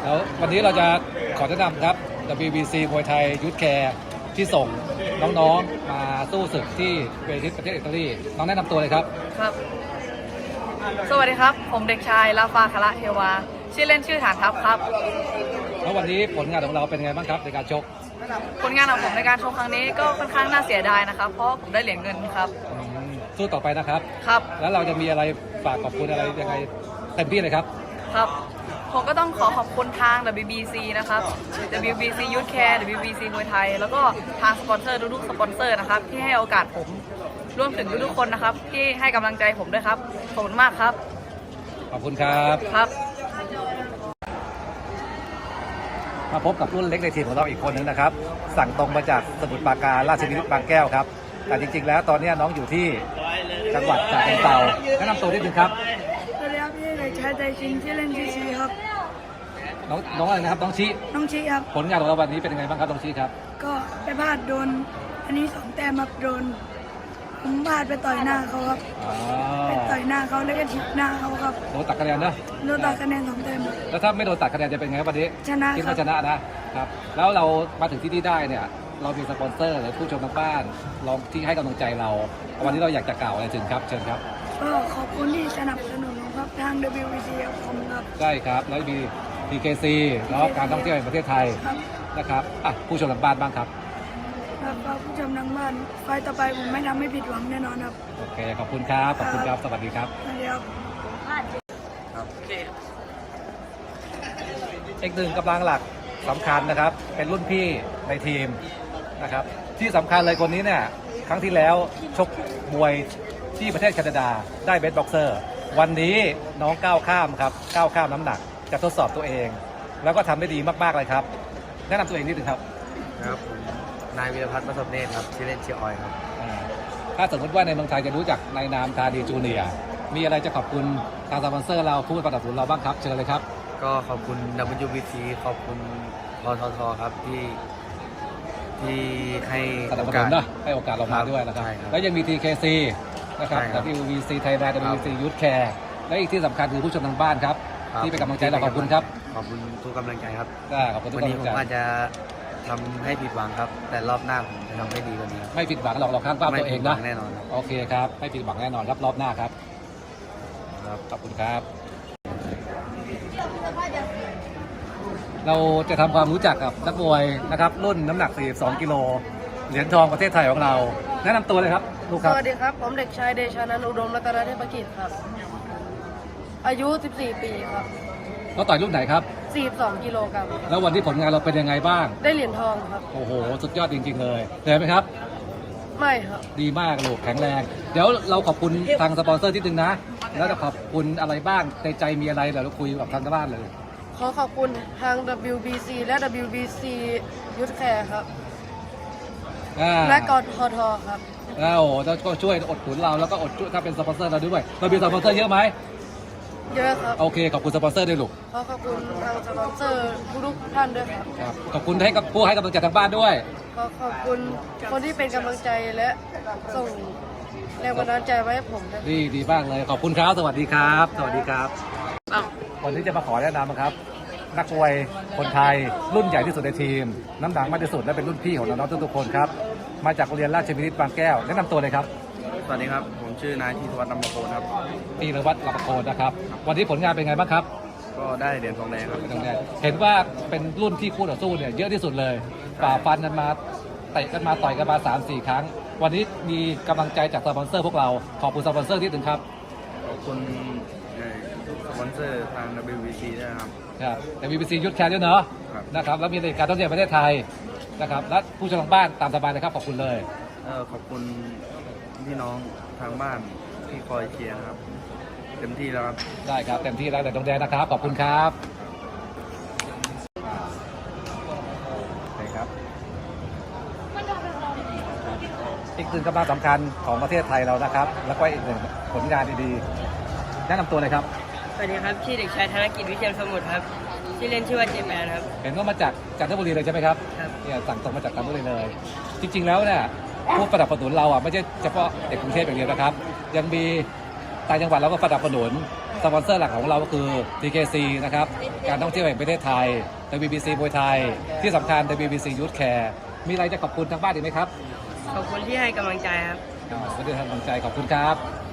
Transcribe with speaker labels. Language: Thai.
Speaker 1: แล้ววันนี้เราจะขอแนะนำครับ WBC มวยไทยยูทแคร์ที่ส่งน้องๆมาสู้ศึกที่เวทีประเทศอิตาลีน้องแนะนำตัวเลยครับ
Speaker 2: ครับ สวัสดีครับ ผมเด็กชายลาฟาคาระเทวา ชื่อเล่นชื่อฐานทัพครับ
Speaker 1: แล้ววันนี้ผลงานของเราเป็นไงบ้างครับในการชก
Speaker 2: ผลงานของผมในการชกครั้งนี้ก็ค่อนข้างน่าเสียดายนะครับ เพราะผมได้เหรียญเงินครับ
Speaker 1: สู้ต่อไปนะครับ
Speaker 2: ครับ
Speaker 1: แล้วเราจะมีอะไรฝากขอบคุณอะไรยังไงเต็มที่เลยครับ
Speaker 2: ครับ ผมก็ต้องขอขอบคุณทาง WBC นะครับ WBC Youth Care WBC มวยไทย แล้วก็ทางสปอนเซอร์ทุกๆสปอนเซอร์นะครับที่ให้โอกาสผมรวมถึงทุกๆคนนะครับที่ให้กำลังใจผมด้วยครับ ขอบคุณมากครับ
Speaker 1: ขอบคุณครับ
Speaker 2: ครับ
Speaker 1: มาพบกับรุ่นเล็กในทีมของเราอีกคนหนึ่งนะครับสั่งตรงมาจากสมุทรปราการราชบุรีบางแก้วครับแต่จริงๆแล้วตอนนี้น้องอยู่ที่จังหวัดฉะเชิงเทราแนะนำตัวนิดนึงครับ
Speaker 3: สวัสดีครับพี่เด็กชายใจชินชื่อเล่นชื่อชีครับ
Speaker 1: น้องอะไรนะครับน้องชิ
Speaker 3: น้องชีครับ
Speaker 1: ผลงานของเราวันนี้เป็นยังไงบ้างครับน้องชิครับ
Speaker 3: ก็ไปพลาดโดนอันนี้2 แต้มครับโดนผมพลาดไปต่อยหน้าเขาครับไปต่อยหน้าเขาแล้วก็ถีบหน้าเขาครับ
Speaker 1: โดนตัดคะแนนนะ
Speaker 3: โดนตัดคะแนน2 แต้ม
Speaker 1: แล้วถ้าไม่โดนตัดคะแนนจะเป็นไงวันนี้
Speaker 3: ชนะ
Speaker 1: คิดว่าชนะนะครับแล้วเรามาถึงที่นี่ได้เนี่ยเรามีสปอนเซอร์หรือผู้ชมทางบ้านลองที่ให้กำลังใจเราวันนี้เราอยากจะกล่าวอะไรถึงครับเชิญครับ
Speaker 3: ก็ขอบคุณที่สนับสนุนครับทาง WBC ครับผมครับ
Speaker 1: ใช่ครับแล้วมี PKC เนาะการท่องเที่ยวแห่งประเทศไทยนะครับผู้ชมทางบ้านบ้างครับ
Speaker 3: ครับผู้ชมทางบ้านไฟต่อไปผมไม่ทำให้ผิดหวังแน่นอนครับ
Speaker 1: โอเคขอบคุณครับขอบคุณครับสวัสดีครับ
Speaker 3: สวัสดีครับ
Speaker 1: อีกหนึ่งกำลังหลักสำคัญนะครับเป็นรุ่นพี่ในทีมนะครับที่สำคัญเลยคนนี้เนี่ยครั้งที่แล้วชกมวยที่ประเทศแคนาดาได้เบสบ็อกเซอร์วันนี้น้องก้าวข้ามครับก้าวข้ามน้ำหนักจะทดสอบตัวเองแล้วก็ทำได้ดีมากๆเลยครับแนะนำตัวเองนิดนึงครับ
Speaker 4: ครับผมนายวีรพัฒน์ประสบเนตรครับชื่อเล่นชื่อออยครับ
Speaker 1: ถ้าสมมติว่าในเมืองไทยจะรู้จักในนามธานีจูเนียร์มีอะไรจะขอบคุณทางสปอนเซอร์เราผู้สนับสนุนเราบ้างครับเชิญเลยครับ
Speaker 4: ก็ขอบคุณ WBC ขอบคุณพททครับที่ให้
Speaker 1: โอกาสให้โอกาสเรามาด้วยนะครับแล้วยังมี TKC นะครับ WBC Thailand WBC Youth Care และอีกที่สำคัญคือผู้ชมทางบ้านครับที่เป็นกำลังใจเราขอบคุณครับ
Speaker 4: ขอบคุณทุกกำลังใจครับ
Speaker 1: ขอบคุณทุก
Speaker 4: กำ
Speaker 1: ลั
Speaker 4: งใจวันนี้ผมอาจจะทำให้ผิดหวังครับแต่รอบหน้าผมจะทำให้ดีกว่านี้
Speaker 1: ไม่ผิดหวังเราข้างป้าตัวเองนะ
Speaker 4: แน่นอน
Speaker 1: โอเคครับไม่ผิดหวังแน่นอนครับรอบหน้าครับขอบคุณครับเราจะทำความรู้จักกับนักมวยนะครับรุ่นน้ำหนัก42 กิโลเหรียญทองประเทศไทยของเราแนะนำตัวเลยครับลูกครับ
Speaker 2: สวัสดีครับผมเด็กชายเดชานันท์อุดมรัตนเทพกิจครับอายุ14 ปีครับ
Speaker 1: เราต่อยรุ่นไหนครับ
Speaker 2: 42 กิโลกรัม
Speaker 1: แล้ววันที่ผลงานเราเป็นยังไงบ้าง
Speaker 2: ได้เหรียญทองครับ
Speaker 1: โอ้โหสุดยอดจริงๆเลยเหนื่อยไหมครับ
Speaker 2: ไม่ครับ
Speaker 1: ดีมากลูกแข็งแรงเดี๋ยวเราขอบคุณทางสปอนเซอร์ที่นึงนะแล้วจะขอบคุณอะไรบ้างในใจมีอะไรเดี๋ยวเราคุยกับทางบ้านเลย
Speaker 2: ขอขอบคุณทาง WBC และ WBC Youth Care ครับและกททครับ
Speaker 1: แล้วก็ช่วยอดหนุนเราแล้วก็อดช่วยถ้าเป็นสปอนเซอร์เราด้วยเรามีสปอนเซอร์เยอะไหม
Speaker 2: เยอะครับ
Speaker 1: โอเคขอบคุณสปอนเซอร์ด้วยลูก
Speaker 2: ขอบคุณทางสปอนเซอร์ทุกท่านด้วยครับ
Speaker 1: ขอบคุณให้กับผู้ให้กำลังใจทางบ้านด้วย
Speaker 2: ขอบคุณคนที่เป็นกำลังใจและส่งแรงบันดาลใจไว้ให้ผมนะ
Speaker 1: ดีมากเลยขอบคุณครับสวัสดีครับสวัสดีครับวันนี้จะมาขอแนะนำครับนักมวยคนไทยรุ่นใหญ่ที่สุดในทีมน้ำหนักมากที่สุดและเป็นรุ่นพี่ของน้องๆทุกๆคนครับมาจากโรงเรียนราชวินิตบางแก้วแนะนำตัวเลยครับ
Speaker 4: สวัสดีครับผมชื่อนายธีรวัฒน์ลำปะโคนครับ
Speaker 1: ธีรวัฒน์ลำปะโคนนะครับวันนี้ผลงานเป็นไงบ้างครับ
Speaker 4: ก็ได้เหรียญทองแดงครับ
Speaker 1: เห็นว่าเป็นรุ่นที่คู่ต่อสู้เนี่ยเยอะที่สุดเลยฝ่าฟันกันมาเตะกันมาต่อยกันมา 3-4 ครั้งวันนี้มีกำลังใจจากสปอนเซอร์พวกเราขอบคุณสปอนเซอร์ที่ถึงครับ
Speaker 4: ขอบคุณสปอนเซอร์ทาง WBC ด้วยครับ
Speaker 1: WBC Youth Care ด้วยเนาะนะครับแล้วมีในการท่องเที่ยวประเทศไทยนะครับและผู้ชมทางบ้านตามสบายเลยครับขอบคุณเลย
Speaker 4: ขอบคุณพี่น้องทางบ้านที่คอยเชียร์ครับเต็มที่แล้วครับ
Speaker 1: ได้ครับเต็มที่แล้วแต่ตรงแดงนะครับขอบคุณครับอีกหนึ่งกำลังสำคัญของประเทศไทยเรานะครับแล้วก็อีกหนึ่งผลงานดีๆแนะนำตัวเลยครับ
Speaker 2: สวัสดีครับชื่อเด็กชายธนกิจวิเชียรสมุทรครับชื่อเล่นชื่อว่าเจมแมนครับ
Speaker 1: เห็นว่ามาจากจันทบุรีเลยใช่ไหมครับเนี่ยสั่งตรงมาจากจันทบุรีเลยจริงๆแล้วเนี่ยผู้สนับสนุนเราอ่ะไม่ใช่เฉพาะเด็กกรุงเทพอย่างเดียวนะครับยังมีต่างจังหวัดเราก็สนับสนุนสปอนเซอร์หลักของเราก็คือ TKC นะครับการท่องเที่ยวแห่งประเทศไทย WBC มวยไทยที่สำคัญ WBC Youth Care มีอะไรจะขอบคุณทางบ้านอีกไหมครับ
Speaker 2: ขอบคุณที่ให้กำลังใจครับ
Speaker 1: ขอบคุณที่ให้กำลังใจขอบคุณครับ